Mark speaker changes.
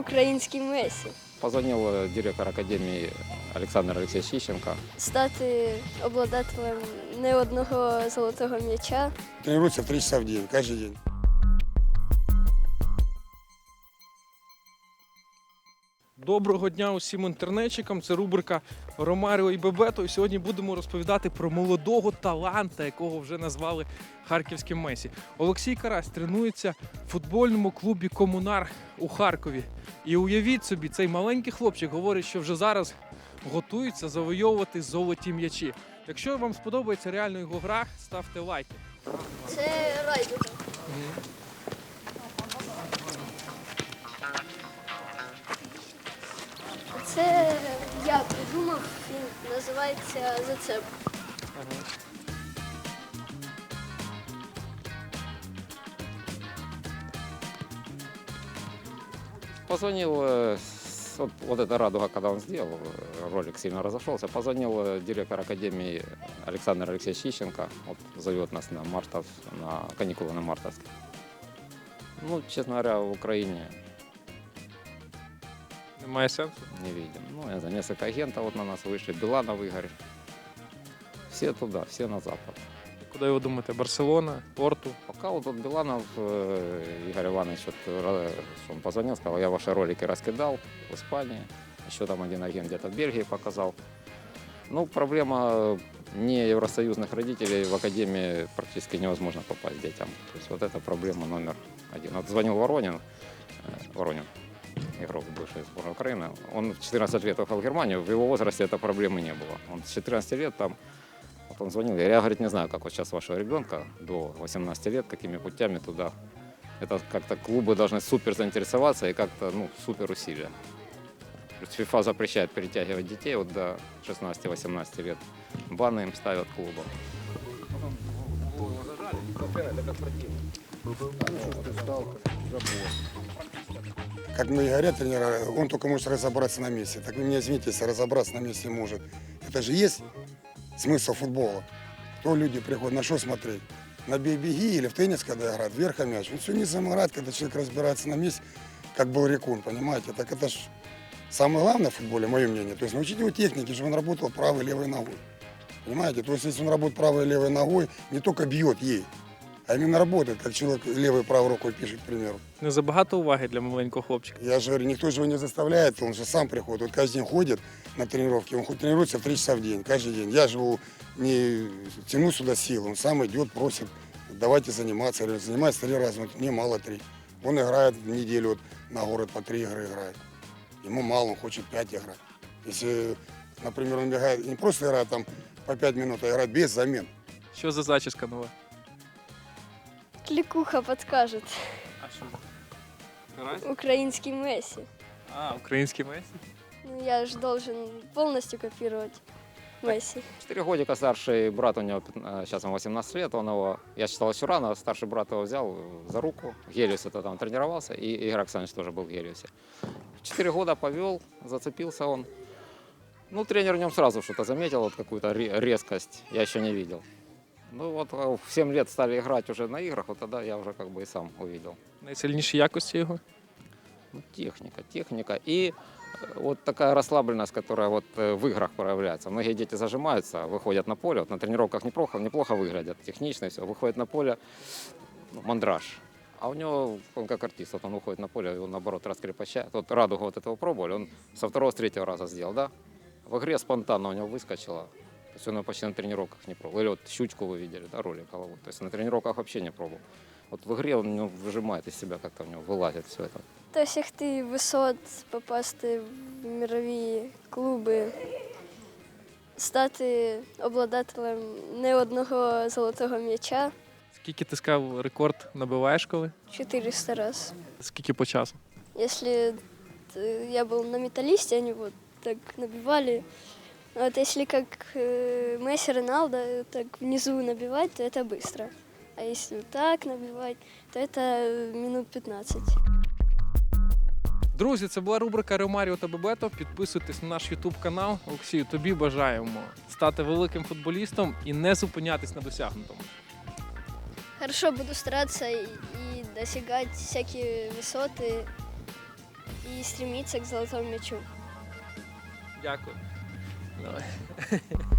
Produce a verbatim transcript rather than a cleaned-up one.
Speaker 1: Український Месі.
Speaker 2: Позвонил э, директор академии Олександр Олексійович Іщенко.
Speaker 1: Стати обладателем не одного золотого м'яча.
Speaker 3: Тренируется в три часа в день, каждый день.
Speaker 4: Доброго дня усім інтернетчикам. Це рубрика Ромаріо і Бебето. І сьогодні будемо розповідати про молодого таланта, якого вже назвали харківським Месі. Олексій Карась тренується в футбольному клубі «Комунар» у Харкові. І уявіть собі, цей маленький хлопчик говорить, що вже зараз готується завойовувати золоті м'ячі. Якщо вам сподобається реально його гра, ставте лайки.
Speaker 1: Це райдуга. Це я придумав, він називається «Зацеп».
Speaker 2: Позвонил, э, с- вот, вот эта радуга, когда он сделал, э, ролик сильно разошелся, позвонил э, директор академии Александр Алексеевич Ищенко, вот, зовет нас на мартов, на каникулы на мартовские. Ну, честно говоря, в Украине
Speaker 4: Немає сенсу.
Speaker 2: не видим. Ну, я знаю, несколько агентов вот на нас вышли, Биланов Игорь. Все туда, все на запад.
Speaker 4: Куди ви думаєте? Барселона, Порту?
Speaker 2: Пока вот тут Биланов, э, Игорь Иванович, вот, э, что он позвонил, сказал, я ваши ролики раскидал в Испании, еще там один агент где-то в Бельгии показал. Ну, проблема не евросоюзных родителей, в академии практически невозможно попасть детям. То есть вот это проблема номер один. Вот звонил Воронин, э, Воронин, игрок бывший сборной Украины, он в четырнадцать лет уехал в Германию, в его возрасте этой проблемы не было. Он с четырнадцати лет там. Вот он звонил, я, говорит, не знаю, как вот сейчас вашего ребенка до восемнадцати лет, какими путями туда. Это как-то клубы должны супер заинтересоваться и как-то, ну, супер усилия. То есть ФИФА запрещает перетягивать детей вот до шестнадцати-восемнадцати лет. Баны им ставят клубам.
Speaker 3: Как мне говорят тренера, он только может разобраться на месте. Так вы меня извините, если разобраться на месте может. Это же есть смысл футбола. Кто люди приходят, на что смотреть? На бей-беги или в теннис, когда играют, вверх мяч. Он все не сам играет, когда человек разбирается на месте, как был Рекун, понимаете? Так это ж самое главное в футболе, мое мнение. То есть научить его технике, чтобы он работал правой и левой ногой. Понимаете? То есть если он работает правой и левой ногой, не только бьет ей, а именно работает, как человек левой и правой рукой пишет, к примеру.
Speaker 4: Не забагато уваги для маленького хлопчика.
Speaker 3: Я же говорю, никто же его не заставляет, он же сам приходит. Вот каждый день ходит на тренировки, он хоть тренируется в три часа в день, каждый день. Я же его не тяну сюда силы, он сам идет, просит, давайте заниматься. Я говорю, занимается три раза, вот мне мало три. Он играет в неделю вот, на город по три игры играет. Ему мало, он хочет пять играть. Если, например, он играет, не просто играет там по пять минут, а играет без замен.
Speaker 4: Що за зачіска нова?
Speaker 1: Клікуха підкаже.
Speaker 4: А що за? Карась?
Speaker 1: Український Месі.
Speaker 4: А, український Месі?
Speaker 1: Ну, я ж должен повністю копірувати Месі.
Speaker 2: Четыре годика старший брат у него, пятна- сейчас ему восемнадцать лет, он его, я считал еще рано, старший брат его взял за руку, в Гелиусе -то там тренировался, и Игорь Оксанович тоже был в Гелиусе. В четыре года повел, зацепился он. Ну, тренер в нем сразу что-то заметил, вот какую-то ре- резкость, я еще не видел. Ну вот а в семь лет стали играть уже на играх, вот тогда я уже как бы и сам увидел.
Speaker 4: Найсильніші якості його?
Speaker 2: Ну, техника, техника и э, вот такая расслабленность, которая вот э, в играх проявляется. Многие дети зажимаются, выходят на поле, вот на тренировках неплохо, неплохо выглядят, технично все, выходят на поле, ну, мандраж. А у него, он как артист, вот он выходит на поле, он наоборот раскрепощает. Вот радугу вот этого пробовали, он со второго, с третьего раза сделал, да? В игре спонтанно у него выскочило. То есть он его почти на тренировках не пробовал. Или вот щучку вы видели, да, ролик головой. То есть на тренировках вообще не пробовал. Вот в игре он у него выжимает из себя, как-то у него вылазит все это.
Speaker 1: Досягти висот, попасти в мірові клуби, стати обладателем не одного золотого м'яча
Speaker 4: Скільки ти сказав, рекорд набиваєш коли?
Speaker 1: чотириста раз.
Speaker 4: Скільки по часу?
Speaker 1: Если э, я был на металлисте, они вот так набивали. А вот если как э, Месси, Роналдо, так внизу набивать, то это быстро. А если вот так набивать, то это минут пятнадцать.
Speaker 4: Друзі, це була рубрика Ромаріо та Бебето. Підписуйтесь на наш ютуб канал. Олексію, тобі бажаємо стати великим футболістом і не зупинятись на досягнутому.
Speaker 1: Хорошо, буду стараться и, и достигать всякие высоты. и стремиться к золотому мячу.
Speaker 4: Дякую. Давай.